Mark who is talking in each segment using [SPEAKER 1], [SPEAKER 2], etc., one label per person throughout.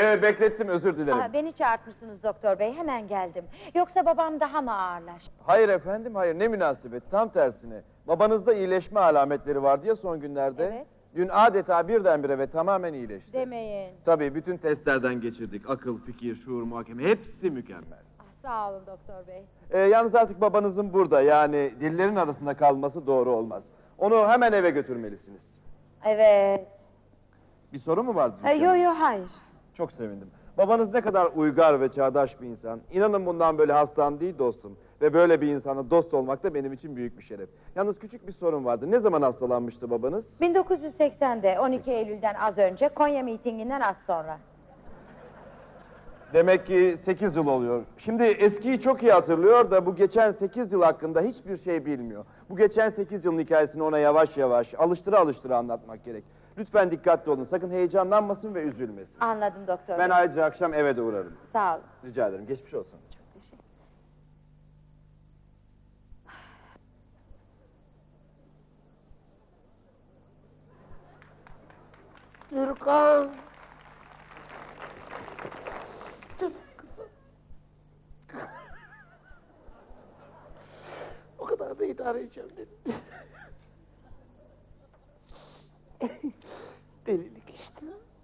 [SPEAKER 1] Beklettim, özür dilerim.
[SPEAKER 2] Beni çağırtmışsınız doktor bey, hemen geldim. Yoksa babam daha mı ağırlaştı?
[SPEAKER 1] Hayır efendim, hayır, ne münasebet, tam tersine. Babanızda iyileşme alametleri vardı ya son günlerde.
[SPEAKER 2] Evet.
[SPEAKER 1] Dün adeta birdenbire ve tamamen iyileşti.
[SPEAKER 2] Demeyin.
[SPEAKER 1] Tabii, bütün testlerden geçirdik. Akıl, fikir, şuur, muhakeme, hepsi mükemmel.
[SPEAKER 2] Sağ olun doktor bey.
[SPEAKER 1] Yalnız artık babanızın burada, yani dillerin arasında kalması doğru olmaz. Onu hemen eve götürmelisiniz.
[SPEAKER 2] Evet.
[SPEAKER 1] Bir sorun mu vardı?
[SPEAKER 2] Yo, hayır.
[SPEAKER 1] Çok sevindim. Babanız ne kadar uygar ve çağdaş bir insan. İnanın bundan böyle hastam değil dostum. Ve böyle bir insana dost olmak da benim için büyük bir şeref. Yalnız küçük bir sorun vardı. Ne zaman hastalanmıştı babanız?
[SPEAKER 2] 1980'de 12 Eylül'den az önce, Konya mitinginden az sonra.
[SPEAKER 1] Demek ki 8 yıl oluyor. Şimdi eskiyi çok iyi hatırlıyor da bu geçen 8 yıl hakkında hiçbir şey bilmiyor. Bu geçen 8 yılın hikayesini ona yavaş yavaş, alıştıra anlatmak gerek. Lütfen dikkatli olun, sakın heyecanlanmasın ve üzülmesin.
[SPEAKER 2] Anladım doktor
[SPEAKER 1] Ben
[SPEAKER 2] bey.
[SPEAKER 1] ayrıca akşam eve de uğrarım.
[SPEAKER 2] Sağ olun.
[SPEAKER 1] Rica ederim, geçmiş olsun.
[SPEAKER 2] Çok teşekkür.
[SPEAKER 3] Türkan! Canım kızım. O kadar da idare edeceğim dedim. Delilik işte.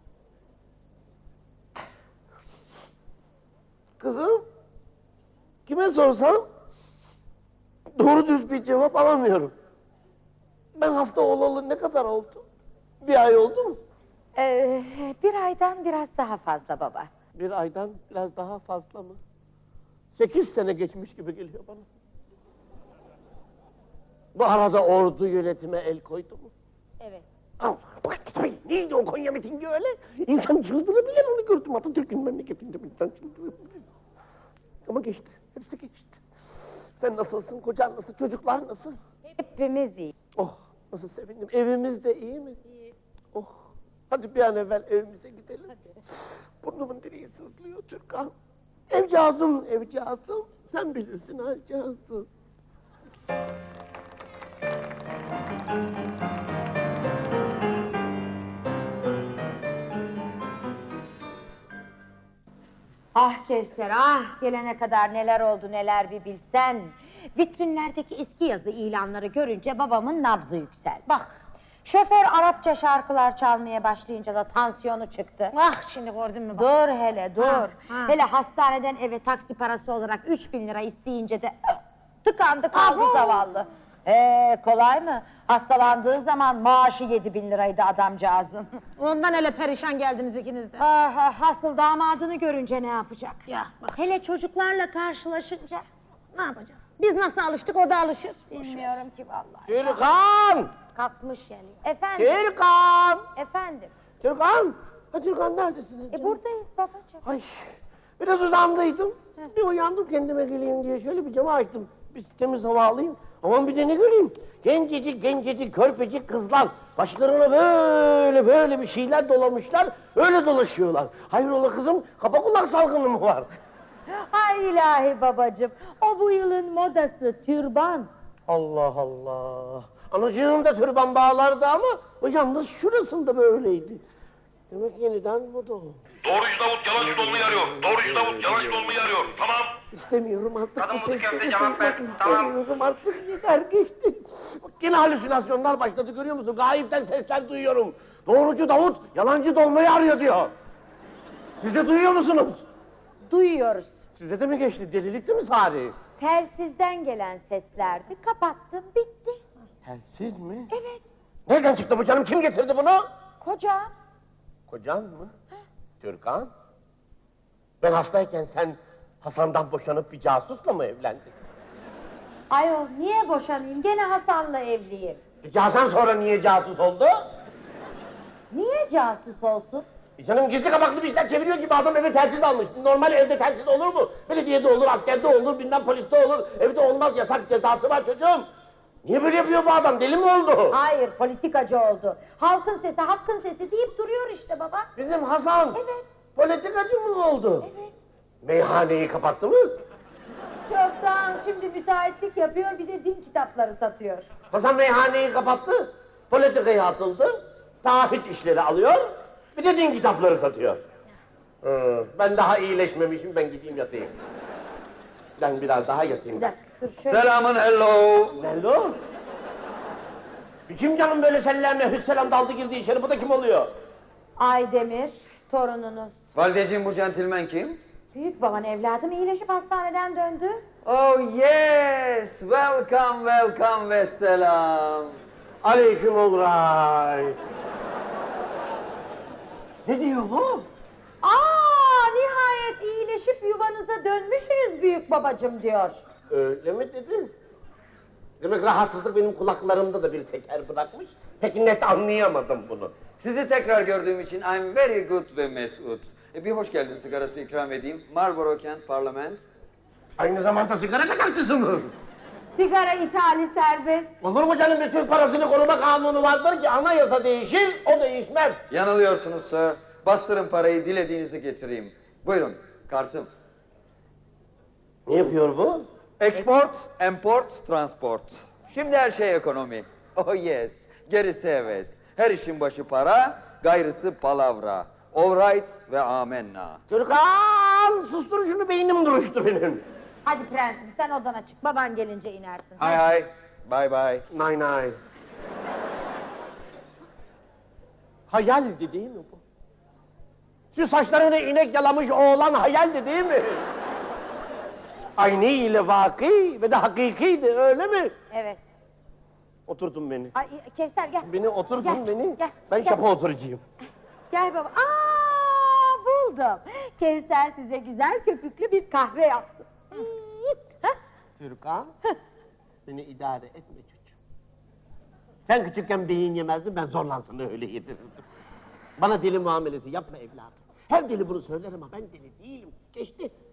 [SPEAKER 3] Kızım, kime sorsam doğru dürüst bir cevap alamıyorum. Ben hasta olalı ne kadar oldu? Bir ay oldu mu?
[SPEAKER 2] Bir aydan biraz daha fazla baba.
[SPEAKER 3] Bir aydan biraz daha fazla mı? 8 sene geçmiş gibi geliyor bana. Bu arada ordu yönetime el koydu mu?
[SPEAKER 2] Evet.
[SPEAKER 3] Allah, bak tabii neydi o Konya mitingi öyle? İnsan çıldırabilir, onu gördüm Atatürk'ün memleketinde insan çıldırabilir. Ama geçti, hepsi geçti. Sen nasılsın, kocan nasıl, çocuklar nasıl?
[SPEAKER 2] Hepimiz iyi.
[SPEAKER 3] Oh, nasıl sevindim, evimiz de iyi mi? İyi. Oh, hadi bir an evvel evimize gidelim. Hadi. Burnumun direği sızlıyor Türkan. Evcağızım, sen bilirsin evcağızım.
[SPEAKER 2] Ah Kevser, ah! Gelene kadar neler oldu, neler bir bilsen. Vitrinlerdeki eski yazı ilanları görünce babamın nabzı yükseldi. Bak, şoför Arapça şarkılar çalmaya başlayınca da tansiyonu çıktı.
[SPEAKER 4] Bak şimdi gördün mü bak.
[SPEAKER 2] Dur hele, dur.
[SPEAKER 4] ha.
[SPEAKER 2] Hele hastaneden eve taksi parası olarak 3000 lira isteyince de tıkandı kaldı zavallı. Kolay mı? Hastalandığı zaman maaşı 7000 liraydı adamcağızın.
[SPEAKER 4] Ondan hele perişan geldiniz ikiniz de.
[SPEAKER 2] Hasıl damadını görünce ne yapacak?
[SPEAKER 4] Ya bak.
[SPEAKER 2] Hele çocuklarla karşılaşınca
[SPEAKER 4] Ne yapacağız? Biz nasıl alıştık o da alışır.
[SPEAKER 2] bilmiyorum ki vallahi.
[SPEAKER 3] Türkan!
[SPEAKER 2] Kalkmış yani. Efendim,
[SPEAKER 3] Türkan!
[SPEAKER 2] efendim.
[SPEAKER 3] Türkan! Ha Türkan neredesin?
[SPEAKER 2] Buradayız babacığım.
[SPEAKER 3] Ay, biraz uzandıydım. Bir uyandım kendime geleyim diye şöyle bir camı açtım. Bir temiz hava alayım. Aman bir de ne göreyim? Gencecik, körpecik kızlar. Başlarına böyle bir şeyler dolamışlar. Öyle dolaşıyorlar. Hayrola kızım, kapa kulak salgını mı var?
[SPEAKER 2] Ay ilahi babacığım. O bu yılın modası türban.
[SPEAKER 3] Allah Allah. Anacığım da türban bağlardı ama o yalnız şurasında böyleydi. Demek yeniden moda oldu.
[SPEAKER 5] Doğrucu Davut yalancı dolmayı arıyor. Doğrucu Davut yalancı dolmayı arıyor. Tamam.
[SPEAKER 3] İstemiyorum artık
[SPEAKER 5] Kadın
[SPEAKER 3] bu
[SPEAKER 5] budu
[SPEAKER 3] sesleri
[SPEAKER 5] köfte cevap ver.
[SPEAKER 3] duymak istemiyorum artık yeter geçti. Bak yine halüsinasyonlar başladı görüyor musun? Gayipten sesler duyuyorum. Doğrucu Davut yalancı dolmayı arıyor diyor. Siz de duyuyor musunuz?
[SPEAKER 2] Duyuyoruz.
[SPEAKER 3] Size de mi geçti? Delilikti mi Sari?
[SPEAKER 2] Telsizden gelen seslerdi. Kapattım, bitti.
[SPEAKER 3] Telsiz mi?
[SPEAKER 2] Evet.
[SPEAKER 3] Nereden çıktı bu canım? Kim getirdi bunu?
[SPEAKER 2] Kocam.
[SPEAKER 3] Kocan mı? Türkan? Ben hastayken sen Hasan'dan boşanıp bir casusla mı evlendin?
[SPEAKER 2] Ayol niye boşanayım? Gene Hasan'la evliyim.
[SPEAKER 3] Peki Hasan sonra niye casus oldu?
[SPEAKER 2] Niye casus olsun?
[SPEAKER 3] Canım gizli kapaklı bir işler çeviriyor gibi adam eve telsiz almış. Normal evde telsiz olur mu? Belediyede olur, askerde olur, bilmem poliste olur. Evde olmaz, yasak cezası var çocuğum. Niye böyle yapıyor bu adam? Deli mi oldu?
[SPEAKER 2] Hayır, politikacı oldu. Halkın sesi, hakkın sesi deyip duruyor işte baba.
[SPEAKER 3] Bizim Hasan.
[SPEAKER 2] Evet.
[SPEAKER 3] Politikacı mı oldu?
[SPEAKER 2] Evet.
[SPEAKER 3] Meyhaneyi kapattı mı?
[SPEAKER 2] Çoktan şimdi müteahhitlik yapıyor, bir de din kitapları satıyor.
[SPEAKER 3] Hasan meyhaneyi kapattı, politikaya atıldı, taahhüt işleri alıyor, bir de din kitapları satıyor. Ben daha iyileşmemişim, ben gideyim yatayım. Ben biraz daha yatayım.
[SPEAKER 2] Bir dakika dur şöyle.
[SPEAKER 1] Selamın hello.
[SPEAKER 3] Nerede o? Bir kim canım böyle sellemle hüsselam daldı girdi içeri, bu da kim oluyor?
[SPEAKER 2] Aydemir, torununuz.
[SPEAKER 1] Valideciğim bu centilmen kim?
[SPEAKER 2] Büyük baban evladım iyileşip hastaneden döndü.
[SPEAKER 1] Oh yes, welcome, welcome ve selam.
[SPEAKER 3] Aleyküm alright. Ne diyor bu?
[SPEAKER 2] Aa, nihayet iyileşip yuvanıza dönmüşsünüz büyük babacım diyor.
[SPEAKER 3] Öyle mi dedi? Demek rahatsızlık benim kulaklarımda da bir seker bırakmış. Peki net anlayamadım bunu.
[SPEAKER 1] Sizi tekrar gördüğüm için I'm very good ve mesut. Bir hoş geldin sigarası ikram edeyim. Marlboro Kent Parlament.
[SPEAKER 3] Aynı zamanda sigara kaçakçısı mı?
[SPEAKER 2] Sigara ithali serbest.
[SPEAKER 3] Olur mu canım, bir Türk parasını koruma kanunu vardır ki anayasa değişir, o değişmez.
[SPEAKER 1] Yanılıyorsunuz sir. Bastırın parayı, dilediğinizi getireyim. Buyurun, kartım.
[SPEAKER 3] Ne yapıyor bu?
[SPEAKER 1] Export, import, transport. Şimdi her şey ekonomi. Oh yes, gerisi heves. Her işin başı para, gayrısı palavra. All right ve amenna.
[SPEAKER 3] Türkan, sustur şunu, beynim duruştu benim.
[SPEAKER 2] Hadi prensim sen odana çık. Baban gelince inersin.
[SPEAKER 1] Hay hay, bye bye.
[SPEAKER 3] Nay nay. Hayaldi değil mi bu? Şu saçlarını inek yalamış oğlan hayaldi değil mi? Aynı ile vaki ve de hakikiydi, öyle mi?
[SPEAKER 2] Evet.
[SPEAKER 3] Oturtun beni.
[SPEAKER 2] Ay, Kevser gel.
[SPEAKER 3] Beni oturtun
[SPEAKER 2] Gel,
[SPEAKER 3] beni.
[SPEAKER 2] gel,
[SPEAKER 3] Ben
[SPEAKER 2] gel.
[SPEAKER 3] şapa oturacağım.
[SPEAKER 2] Gel baba. Aa, buldum. Kevser size güzel köpüklü bir kahve yapsın. Hah?
[SPEAKER 3] Türkan, beni idare etme çocuğum. Sen küçükken beyin yemezdin, ben zorla sana öyle yedirirdim. Bana deli muamelesi yapma evladım. Her deli bunu söyler ama ben deli değilim. Geçti.